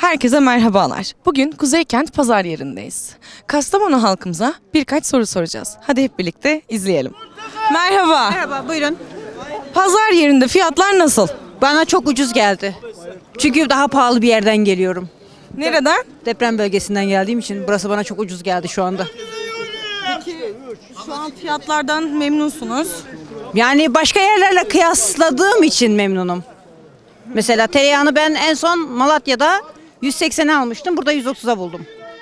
Herkese merhabalar. Bugün Kuzeykent Pazar yerindeyiz. Kastamonu halkımıza birkaç soru soracağız. Hadi hep birlikte izleyelim. Merhaba. Merhaba, buyurun. Pazar yerinde fiyatlar nasıl? Bana çok ucuz geldi. Çünkü daha pahalı bir yerden geliyorum. Nereden? Deprem bölgesinden geldiğim için burası bana çok ucuz geldi şu anda. Şu an fiyatlardan memnunsunuz. Yani başka yerlerle kıyasladığım için memnunum. Mesela tereyağını ben en son Malatya'da 180'e almıştım. Burada 130'a buldum.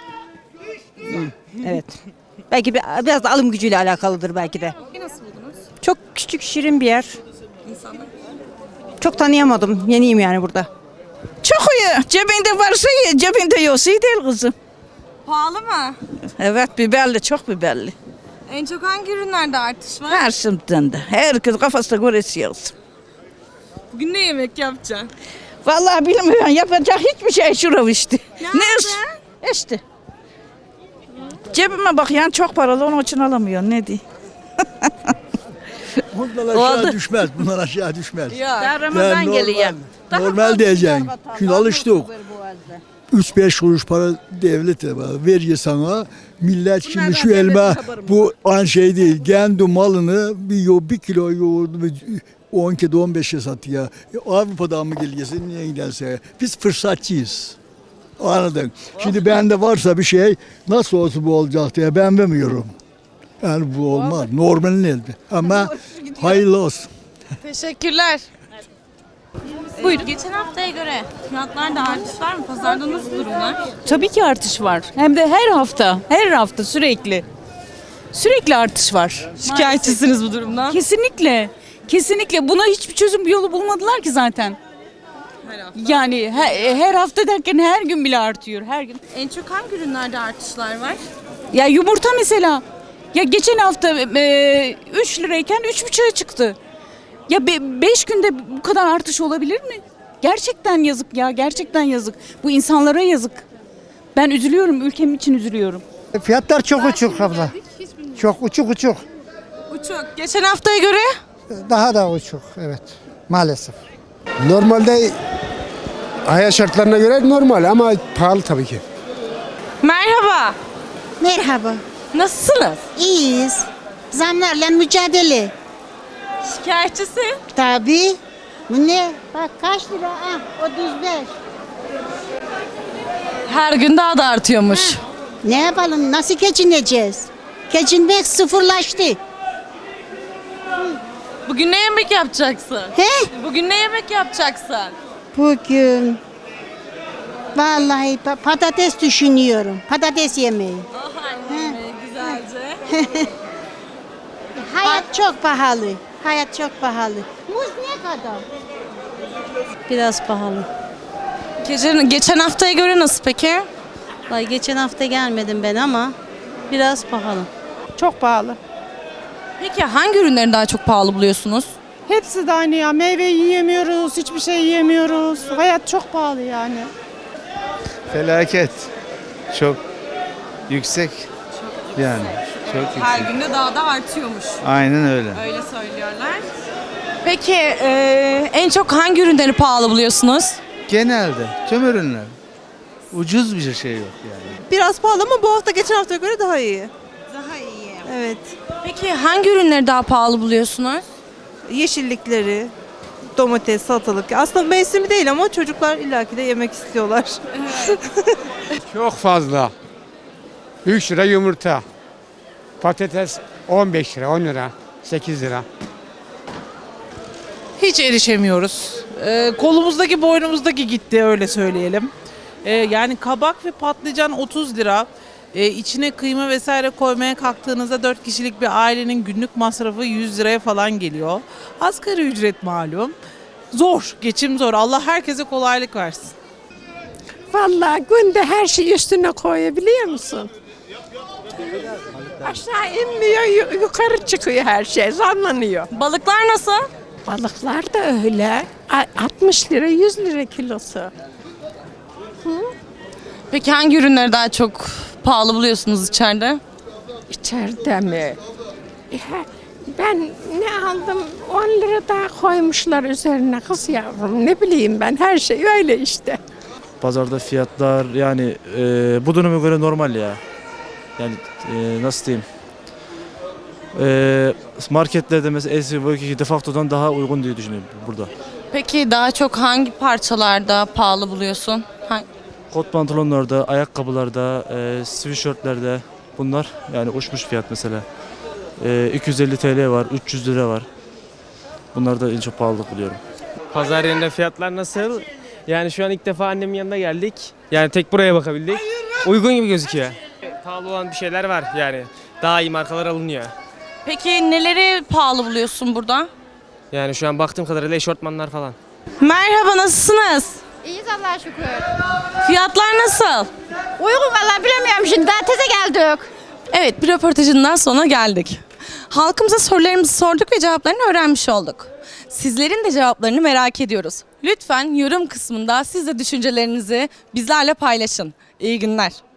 Evet. Belki biraz da alım gücüyle alakalıdır belki de. Nasıl buldunuz? Çok küçük, şirin bir yer. Çok tanıyamadım. Yeniyim yani burada. Çok iyi. Cebinde varsa iyi, cebinde yoksa iyi değil kızım. Pahalı mı? Evet, biberli, çok biberli. En çok hangi ürünlerde artış var? Her şimdiden de. Herkes kafasına göre yiyorsun. Bugün ne yemek yapacaksın? Vallahi bilmiyorum, yapacak hiçbir şey şurav işte. Nerede? İşte. Cebime bak yani çok paralı, onun için alamıyor. Ne diyeyim? Bunlar aşağı düşmez. Bunlar aşağı düşmez. Ben Ramazan geliyor. Normal diyeceksin. Şimdi alıştık. 3-5 kuruş para devlete veriyor sana. Millet şimdi şu elma bu an şey değil. Kendi malını bir kilo yoğurdu 10 kilo 15'e satıyor. Avrupa'dan mı geliyorsun niye giderse. Biz fırsatçıyız. Anladın. Şimdi bende varsa bir şey nasıl olsa bu olacak diye ben vermiyorum. Yani bu olmaz. Normalin elde. Ama hayırlı olsun. Teşekkürler. Buyurun. Geçen haftaya göre fiyatlarda artış var mı? Pazarda nasıl durumlar? Tabii ki artış var. Hem de her hafta sürekli. Sürekli artış var. Şikayetçisiniz bu durumdan. Kesinlikle. Kesinlikle buna hiçbir çözüm bir yolu bulmadılar ki zaten. Yani her hafta derken her gün bile artıyor. Her gün. En çok hangi ürünlerde artışlar var? Ya yumurta mesela. Ya geçen hafta 3 lirayken 3,5'a çıktı. Ya 5 günde bu kadar artış olabilir mi? Gerçekten yazık ya. Gerçekten yazık. Bu insanlara yazık. Ben üzülüyorum. Ülkem için üzülüyorum. Fiyatlar çok uçuk abla. Çok uçuk. Uçuk. Geçen haftaya göre? Daha da uçuk evet maalesef. Normalde hayat şartlarına göre normal ama pahalı tabii ki. Merhaba. Merhaba. Nasılsınız? İyiyiz. Zamlarla mücadele. Şikayetçisi. Tabii. Bu ne? Bak kaç lira? Ah, 35. Her gün daha da artıyormuş. Ne yapalım? Nasıl geçineceğiz? Geçinmek sıfırlaştı. Bugün ne yemek yapacaksın? He? Bugün ne yemek yapacaksın? Bugün vallahi patates düşünüyorum. Patates yemeği. Güzelce. Hayat çok pahalı. Hayat çok pahalı. Muz ne kadar? Biraz pahalı. Geçen haftaya göre nasıl peki? Ay geçen hafta gelmedim ben ama biraz pahalı. Çok pahalı. Peki hangi ürünleri daha çok pahalı buluyorsunuz? Hepsi de aynı ya. Meyve yiyemiyoruz, hiçbir şey yiyemiyoruz. Hayat çok pahalı yani. Felaket. Çok yüksek. Yani çok yüksek. Her günde daha da artıyormuş. Aynen öyle. Öyle söylüyorlar. Peki en çok hangi ürünleri pahalı buluyorsunuz? Genelde tüm ürünler. Ucuz bir şey yok yani. Biraz pahalı ama bu hafta geçen haftaya göre daha iyi. Daha iyi. Evet. Peki hangi ürünleri daha pahalı buluyorsunuz? Yeşillikleri, domates, salatalık. Aslında mevsimi değil ama çocuklar illaki de yemek istiyorlar. Çok fazla. 3 lira yumurta. Patates 15 lira, 10 lira, 8 lira. Hiç erişemiyoruz. Kolumuzdaki boynumuzdaki gitti öyle söyleyelim. Yani kabak ve patlıcan 30 lira. İçine kıyma vesaire koymaya kalktığınızda 4 kişilik bir ailenin günlük masrafı 100 liraya falan geliyor. Asgari ücret malum. Zor, geçim zor. Allah herkese kolaylık versin. Vallahi günde her şeyi üstüne koyabiliyor musun? Aşağı inmiyor, yukarı çıkıyor her şey, zamlanıyor. Balıklar nasıl? Balıklar da öyle. 60 lira, 100 lira kilosu. Peki hangi ürünleri daha çok pahalı buluyorsunuz içeride? İçeride mi? Ben ne aldım? 10 lira daha koymuşlar üzerine kız yavrum. Ne bileyim ben, her şey öyle işte. Pazarda fiyatlar yani bu döneme göre normal ya. Yani nasıl diyeyim? Marketlerde mesela LC Defacto'dan daha uygun diye düşünüyorum burada. Peki daha çok hangi parçalarda pahalı buluyorsun? Kot pantolonlarda, ayakkabılarda, sweatshirtlerde bunlar yani uçmuş fiyat mesela. 250 TL var, 300 lira var. Bunlar da en çok pahalılık buluyorum. Pazar yerinde fiyatlar nasıl? Yani şu an ilk defa annemin yanına geldik. Yani tek buraya bakabildik. Uygun gibi gözüküyor. Pahalı olan bir şeyler var yani. Daha iyi markalar alınıyor. Peki neleri pahalı buluyorsun burada? Yani şu an baktığım kadarıyla eşortmanlar falan. Merhaba, nasılsınız? İyiyiz Allah'a şükür. Fiyatlar nasıl? Uygun valla bilemiyorum şimdi daha teze geldik. Evet, bir röportajından sonra geldik. Halkımıza sorularımızı sorduk ve cevaplarını öğrenmiş olduk. Sizlerin de cevaplarını merak ediyoruz. Lütfen yorum kısmında siz de düşüncelerinizi bizlerle paylaşın. İyi günler.